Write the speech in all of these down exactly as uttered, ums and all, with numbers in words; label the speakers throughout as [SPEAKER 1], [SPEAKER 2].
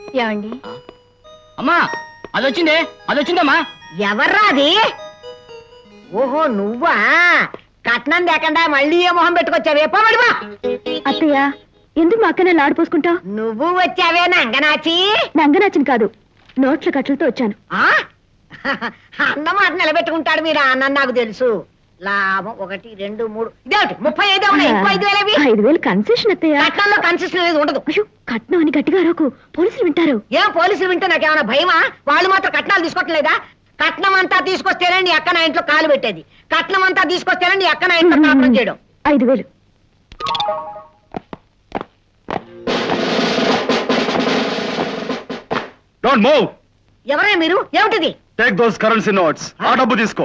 [SPEAKER 1] ఏమండి అమ్మా అది వచ్చిందే అది వచ్చిందమ్మా.
[SPEAKER 2] ఎవర్రా అది? ఓహో నువ్వా? కట్నం లేకుండా మళ్ళీ ఏ మొహం పెట్టుకొచ్చావే? పోమడివా.
[SPEAKER 1] అత్తయ్య ఎందుకు మా అక్కనే లాడిపోసుకుంటా?
[SPEAKER 2] నువ్వు వచ్చావే నంగనాచి?
[SPEAKER 1] నంగనాచిని కాదు, నోట్ల కట్లతో వచ్చాను.
[SPEAKER 2] అన్నమాట నిలబెట్టుకుంటాడు మీరు అన్న, నాకు తెలుసు. లాభం ఒకటి రెండు మూడు ఇదేమిటి ముప్పై ఐదు ఉన్నాయి. ఇంకో ఐదు వేలు
[SPEAKER 1] ఐదు వేలు కన్సెషన్ అత్తయ్య.
[SPEAKER 2] కట్నంలో కన్సెషన్ అనేది ఉండదు.
[SPEAKER 1] అయ్యో కట్నం అని గట్టిగా అరకు, పోలీసులు వింటారు.
[SPEAKER 2] ఏం పోలీసులు వింటే నాకేమైనా భయమా? వాళ్ళు మాత్రం కట్నాలు తీసుకోవట్లేదా? కట్నం అంతా తీసుకొస్తేనే నీ అక్క నా ఇంట్లో కాలు పెట్టేది. కట్నం అంతా తీసుకొస్తేనే నీ అక్క నా ఇంట్లో కాపురం చేయడం.
[SPEAKER 1] ఐదు వేలు.
[SPEAKER 3] Don't move.
[SPEAKER 2] ఎవరే మీరు? ఏమిటిది?
[SPEAKER 3] Take those currency notes. ఆ డబ్బు తీసుకో.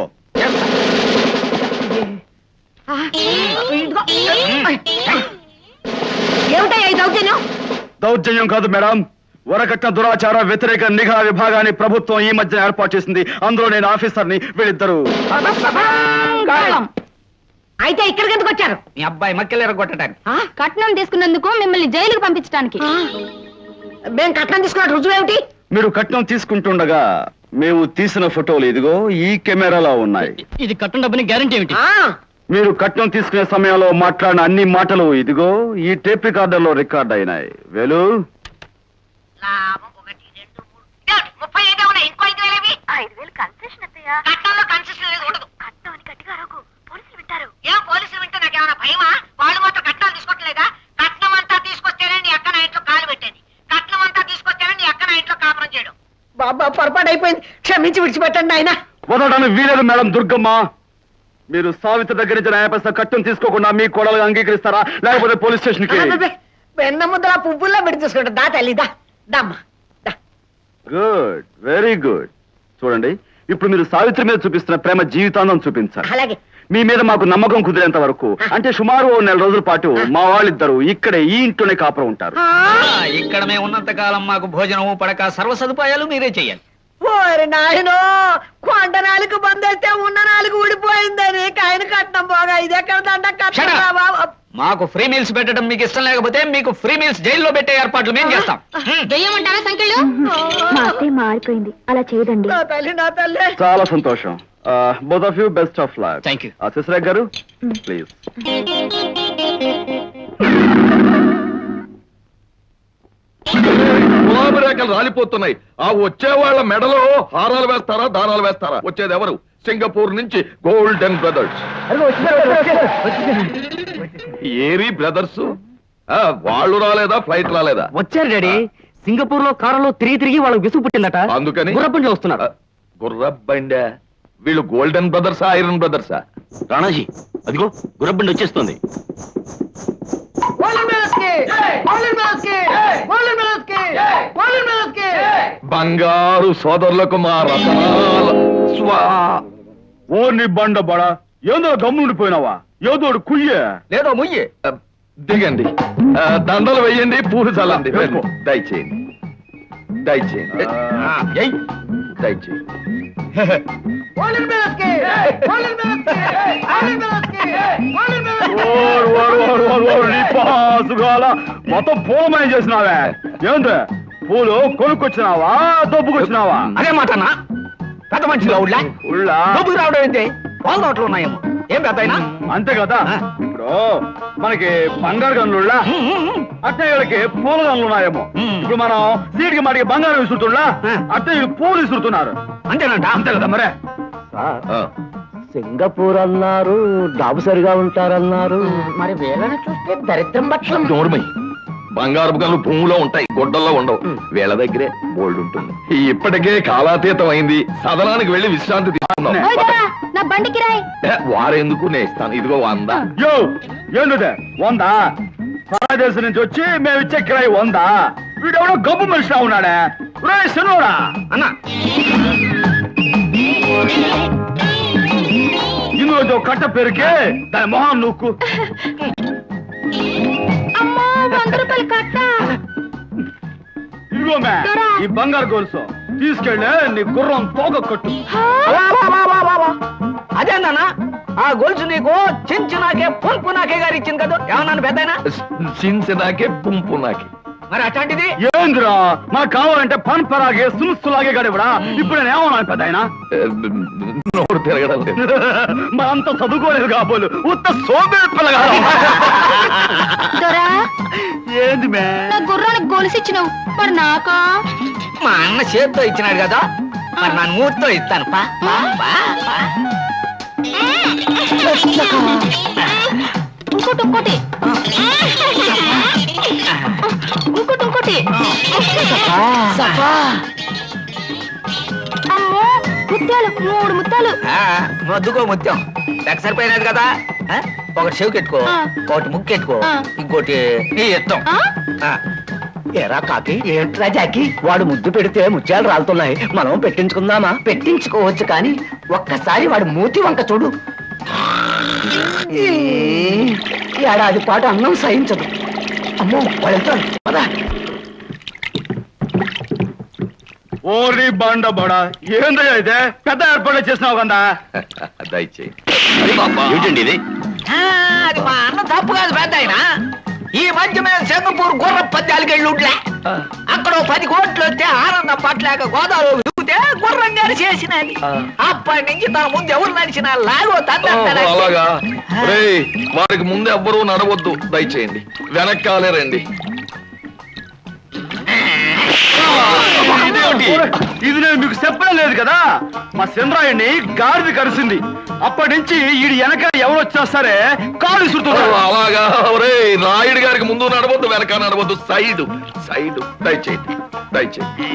[SPEAKER 2] ఏమిటయ్యా ఈ దౌర్జన్యం?
[SPEAKER 3] దౌర్జన్యం కాదు మేడం, వరకట్న దురాచార వ్యతిరేక నిఘా విభాగాన్ని ప్రభుత్వం ఈ మధ్య ఏర్పాటు చేసింది. అందులో నేను ఆఫీసర్ని, వీళ్ళిద్దరు.
[SPEAKER 2] అయితే ఇక్కడికి ఎందుకు వచ్చారు?
[SPEAKER 4] మీ అబ్బాయి మక్కెలు ఎరగొట్టడానికి.
[SPEAKER 1] కట్నం తీసుకున్నందుకు మిమ్మల్ని జైలుకు పంపించడానికి.
[SPEAKER 2] మేము కట్నం తీసుకున్న రుజువు ఏమిటి?
[SPEAKER 3] మీరు కట్నం తీసుకుంటుండగా మేము తీసిన ఫోటోలు ఇదిగో ఈ కెమెరాలో ఉన్నాయి.
[SPEAKER 4] ఇది కట్నం డబ్బుని గ్యారంటీ ఏమిటి?
[SPEAKER 3] మీరు కట్నం తీసుకునే సమయంలో మాట్లాడిన అన్ని మాటలు ఇదిగో ఈ టేప్ రికార్డర్ లో రికార్డ్ అయినాయి. వేలు
[SPEAKER 2] ఒకటి రెండు మూడు ముప్పై ఐదు ఉన్నాయి. ఇంకో ఐదు వేలు
[SPEAKER 1] ఐదు వేలు కన్సెషన్ అత్తయ్య.
[SPEAKER 2] కట్నంలో కన్సెషన్ అనేది ఉండదు.
[SPEAKER 1] కట్నం అని గట్టిగా అరకు, పోలీసులు వింటారు.
[SPEAKER 2] ఏం పోలీసులు వింటే నాకేమైనా భయమా? వాళ్ళు మాత్రం కట్నాలు తీసుకోవట్లేదా? కట్నం అంతా తీసుకొస్తేనే నీ అక్క నా ఇంట్లో కాలు పెట్టేది. కట్నం అంతా తీసుకొస్తేనే నీ అక్క నా ఇంట్లో కాపురం చేయడం. బాబా పొరపాటు అయిపోయింది, క్షమించి విడిచిపెట్టండి ఆయన.
[SPEAKER 3] వదలడానికి వీలేదు మేడం దుర్గమ్మ. మీరు సావిత్రి దగ్గర నుంచి న్యాయపరిస్థ కట్నం తీసుకోకుండా మీ కోడలుగా అంగీకరిస్తారా, లేకపోతే పోలీస్ స్టేషన్ కి?
[SPEAKER 2] వెన్న ముద్దల పువ్వుల్లో విడి చూసుకుంటా. దా తల్లిదా దమ్మా.
[SPEAKER 3] Good, very good. చూడండి, ఇప్పుడు మీరు సావిత్రి మీద చూపిస్తున్న ప్రేమ జీవితాంతం చూపించాలి.
[SPEAKER 2] అలాగే.
[SPEAKER 3] మీ మీద మాకు నమ్మకం కుదిరేంత వరకు, అంటే సుమారు ఓ నెల రోజుల పాటు మా వాళ్ళిద్దరు ఇక్కడే ఈ ఇంట్లోనే కాపురం ఉంటారు.
[SPEAKER 4] ఇక్కడ మేము ఉన్నంత కాలం మాకు భోజనము పడక సర్వ సదుపాయాలు మీరే చెయ్యాలి.
[SPEAKER 2] ఓరి నాయనో, కొండ నాలుగు బందేస్తే ఉన్న నాలుగు ఊడిపోయిందని ఆయన కట్నం పోగా ఇది ఎక్కడ దండ కట్నం.
[SPEAKER 4] మాకు ఫ్రీ మీల్స్ పెట్టడం మీకు ఇష్టం లేకపోతే మీకు ఫ్రీ మీల్స్ జైల్లో పెట్టే ఏర్పాట్లు మేము చేస్తాం.
[SPEAKER 2] వెయ్యమంటారా సంఖ్యలు?
[SPEAKER 1] మా అత్తయ్య మారిపోయింది, అలా చేయదండి.
[SPEAKER 2] నా తల్లి నా తల్లి.
[SPEAKER 3] చాలా సంతోషం. Both of you best of luck.
[SPEAKER 4] Thank you.
[SPEAKER 3] Shashirekha గారు ప్లీజ్.
[SPEAKER 5] గులాబీ రేఖలు రాలిపోతున్నాయి. ఆ వచ్చే వాళ్ళ మెడలో హారాలు వేస్తారా, దానాలు వేస్తారా? వచ్చేది ఎవరు? సింగపూర్ నుంచి గోల్డెన్ బ్రదర్స్. ఏరి బ్రదర్స్. వాళ్ళు రాలేదా? ఫ్లైట్ రాలేదా?
[SPEAKER 4] వచ్చారు డాడీ. సింగపూర్ లో కారులో తిరిగి తిరిగి వాళ్ళకి విసుగు పుట్టిందట,
[SPEAKER 5] అందుకని
[SPEAKER 4] గుర్రబండిలో వస్తున్నారు.
[SPEAKER 5] గుర్రబండి. వీళ్ళు గోల్డెన్ బ్రదర్సా, ఐరన్ బ్రదర్సా?
[SPEAKER 4] రాణాజీ అదిగో గుర్రబండి వచ్చేస్తుంది.
[SPEAKER 5] బంగారు సోదరులకు మా రతనాల స్వా.
[SPEAKER 3] ఓ నీ బండ బడా, ఏదో గమ్ముండిపోయినావా? ఏదోడు కుయ్యే
[SPEAKER 5] లేదో ముయ్యే. దిగండి, దండలు వెయ్యండి, పూలు చల్లండి. దయచేయండి దయచేయండి దయచేయండి.
[SPEAKER 3] మొత్తం పూలమయం చేసినావే. ఏంటి పూలు కొనుక్కొచ్చినావా, దొబ్బుకొచ్చినావా?
[SPEAKER 4] అదే మాటనా? పెద్ద మనిషిలో ఉళ్ళా
[SPEAKER 3] ఉళ్ళా
[SPEAKER 4] డబ్బుకు రావడం ఏంటి? వాళ్ళ నోట్లు ఉన్నాయేమో. ఏం పెద్ద
[SPEAKER 3] అంతే కదా. ఇప్పుడు మనకి బంగారు గనులుళ్ళా, అట్టయ్యలకి పూల గనులు ఉన్నాయేమో. ఇప్పుడు మనం సీటికి మాటికి బంగారం విసురుతున్నా, అట్టయ్యలు పూలు విసురుతున్నారు.
[SPEAKER 4] అంతేనంట?
[SPEAKER 3] అంతే కదా మరే.
[SPEAKER 6] సింగపూర్ అన్నారు, డాబు సరిగా ఉంటారన్నారు.
[SPEAKER 2] మరి వీళ్ళని చూస్తే దరిద్రం పక్షం.
[SPEAKER 5] నోర్మై. బంగారు గనులు భూమిలో ఉంటాయి, గుడ్డల్లో ఉండవు. వీళ్ళ దగ్గరే బోల్డ్ ఉంటుంది. ఇప్పటికే కాలాతీతం అయింది, సదనానికి వెళ్లి విశ్రాంతి తీసుకున్నాం.
[SPEAKER 1] నా బండికి రాయ్.
[SPEAKER 5] వారెందుకు నేను ఇస్తాను. ఇదిగో వంద.
[SPEAKER 3] యో ఏందుదే వందా? దేశం నుంచి వచ్చి మేము ఇచ్చే కిరాయి వందా? వీడెవడో గబ్బు మనిషిలా ఉన్నాడే. శనోడా
[SPEAKER 4] అన్నా,
[SPEAKER 3] ఇందులో కట్ట పెరిగి దాని మొహం నూక్కు. ఇదిగో మే ఈ బంగారు గొలుసు తీసుకెళ్ళి నీ గుర్రం తోక కట్టు.
[SPEAKER 4] అదేందన్నా? ఆ గొలుసు నీకు చించి నాకే పుంపు నాకే గారు ఇచ్చింది కదా. ఏమన్నాను పెద్దయినా?
[SPEAKER 5] సించి నాకే పుంపు నాకే.
[SPEAKER 4] మరి అట్లాంటిది
[SPEAKER 3] ఏంద్రా మనకు కావాలంటే పన్ పరాగే సునుసులాగే గడివడా ఇప్పుడు నేను ఏమన్నాను పెద్ద ఆయన
[SPEAKER 5] నోరు తిరగడం లేదు.
[SPEAKER 3] మనంతా చదువుకోలేదు కాబోలు ఉత్త సోబే పిల్లగా
[SPEAKER 7] దొరా
[SPEAKER 3] ఏంది మే
[SPEAKER 7] నా గుర్రానికి గొలుసిచ్చినావు మరి నాకా
[SPEAKER 4] మా అన్న చేత్తో ఇచ్చినాడు కదా మరి నా మూర్తితో ఇస్తాను పా పా, పా, పా.
[SPEAKER 7] ఇంకోటి ఇంకోటి ఇంకోటి ఇంకోటి అమ్మో ముత్యాలు మూడు ముత్యాలు
[SPEAKER 4] ఆ, మొద్దుకో ముత్యం లెక్క సరిపోయినది కదా ఆ? ఒకటి చెవి కెట్టుకో
[SPEAKER 7] ఆ.
[SPEAKER 4] ఒకటి ముక్కు కెట్టుకో
[SPEAKER 7] ఆ.
[SPEAKER 4] ఇంకోటి నీ ఇష్టం
[SPEAKER 7] ఆ?
[SPEAKER 4] ఆ.
[SPEAKER 6] ఎరా కాకి ఏంట్రా జాకి వాడు ముద్దు పెడితే ముత్యాలు రాలుతున్నాయి మనం పెట్టించుకుందామా పెట్టించుకోవచ్చు కానీ ఒక్కసారి వాడు మూతి వంక చూడు ఈ ఏడాది పాటు అన్నం సహించదు అమ్మో వాడు వెళ్తాడు పద
[SPEAKER 3] ఓరి బండ బడా ఏందో అయితే పెద్ద ఏర్పాట్లు చేసినావు కదా
[SPEAKER 5] దయచేయి ఏంటండి ఇది
[SPEAKER 4] ఆ, అది మా అన్న తప్పు కాదు పెద్ద ఆయన ఈ మధ్య మేము సింగపూర్ గుర్ర పద్యాలకి వెళ్ళి ఉంట్లే అక్కడ ఓ పది కోట్లు వస్తే ఆనందం పట్టలేక గోదావరి దిగితే గుర్రం గారు చేసినది అప్పటి నుంచి తన ముందు ఎవరు నడిచినా లాగో
[SPEAKER 5] ఓహో,
[SPEAKER 4] తండ్రి
[SPEAKER 5] అలాగా రేయ్, వారికి ముందు ఎవ్వరూ నడవద్దు దయచేయండి వెనక్కాలే రండి
[SPEAKER 3] ఇదేమిటి? ఇది నేను మీకు చెప్పడం లేదు కదా మా చంద్రాయుడిని గాడిది కలిసింది అప్పటి నుంచి ఈడు వెనక ఎవరు వచ్చినా సరే కాలు
[SPEAKER 5] ఓ,
[SPEAKER 3] విసురుతున్నారు
[SPEAKER 5] అలాగా రే రాయుడు గారికి ముందు నడవద్దు వెనక నడవద్దు సైడ్ సైడ్ దయచేయండి దయచేయండి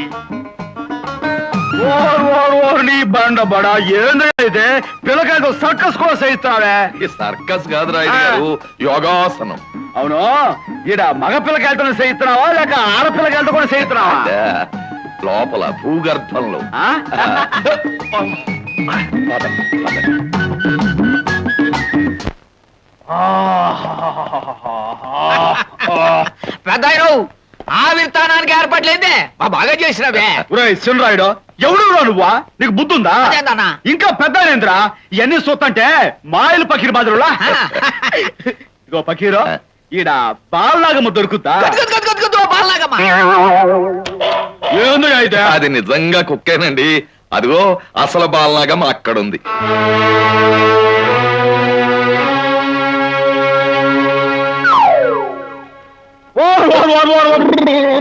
[SPEAKER 3] ఓర్ ఓర్ ఓర్ నీ బండ బడా ఏందైతే పిల్లకాయతో సర్కస్ కూడా సహిస్తావే
[SPEAKER 5] ఈ సర్కస్ కాదు రాయుడు గారు యోగాసనం
[SPEAKER 3] అవును ఈడ మగ పిల్లకాయలతో సహిస్తున్నావా లేక ఆడపిల్లకాయలతో కూడా సహిస్తున్నావా
[SPEAKER 5] అదే, లోపల భూగర్భంలో
[SPEAKER 3] ఆ?
[SPEAKER 4] పెద్ద ఆయన ఆవిర్తానానికి ఏర్పాట్లేదే మా బాగా చేసినవే
[SPEAKER 3] ఒరేయ్ చిన్నరాయుడు ఎవడు నువ్వా నీకు బుద్ధుందా
[SPEAKER 4] అదేందన్నా?
[SPEAKER 3] ఇంకా పెద్ద ఏంద్రా ఇవన్నీ చూస్తుంటే మాయలు పకీర్ బాజరులా ఇగో పకీరు ఈడ బాలనాగమ్మ దొరుకుతా
[SPEAKER 4] గదు, గదు, గదు, గదు, బాలనాగమ్మ.
[SPEAKER 3] ఏందో అయితే
[SPEAKER 5] అది నిజంగా కుక్కేనండి అదిగో అసలు బాలనాగం అక్కడుంది
[SPEAKER 3] ఓర్ ఓర్ ఓర్ ఓర్ ఓర్.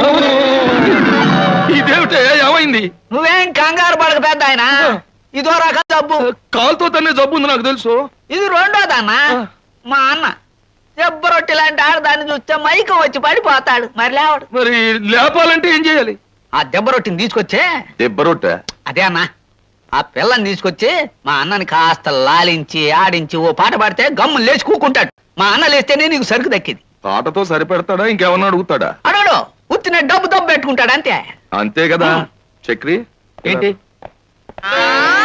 [SPEAKER 5] ఇదేమిటే ఏమైంది
[SPEAKER 4] నువ్వేం కంగారు పడక పెద్ద ఆయన ఇదో రకం జబ్బు
[SPEAKER 5] కాలుతో తన్నే జబ్బు ఉంది నాకు తెలుసు
[SPEAKER 4] ఇది రెండోదన్నా మా అన్న దెబ్బ రొట్టె లాంటి ఆడదాన్ని చూస్తే మైకం వచ్చి పడిపోతాడు మరి లేవాడు
[SPEAKER 5] మరి లేపాలంటే ఏం చేయాలి
[SPEAKER 4] ఆ దెబ్బ రొట్టెని తీసుకొచ్చే
[SPEAKER 5] దెబ్బరొట్ట
[SPEAKER 4] అదే అన్న ఆ పిల్లని తీసుకొచ్చి మా అన్నని కాస్త లాలించి ఆడించి ఓ పాట పాడితే గమ్ము లేచి కూకుంటాడు మా అన్న లేస్తేనే నీకు సరుకు దక్కింది
[SPEAKER 5] పాటతో సరిపెడతాడా ఇంకేమన్నా అడుగుతాడా
[SPEAKER 4] అడోడు ఉత్తిన డబ్బు దబ్బు పెట్టుకుంటాడు అంతే
[SPEAKER 5] అంతే కదా చక్రి
[SPEAKER 4] ఏంటి
[SPEAKER 2] ఆ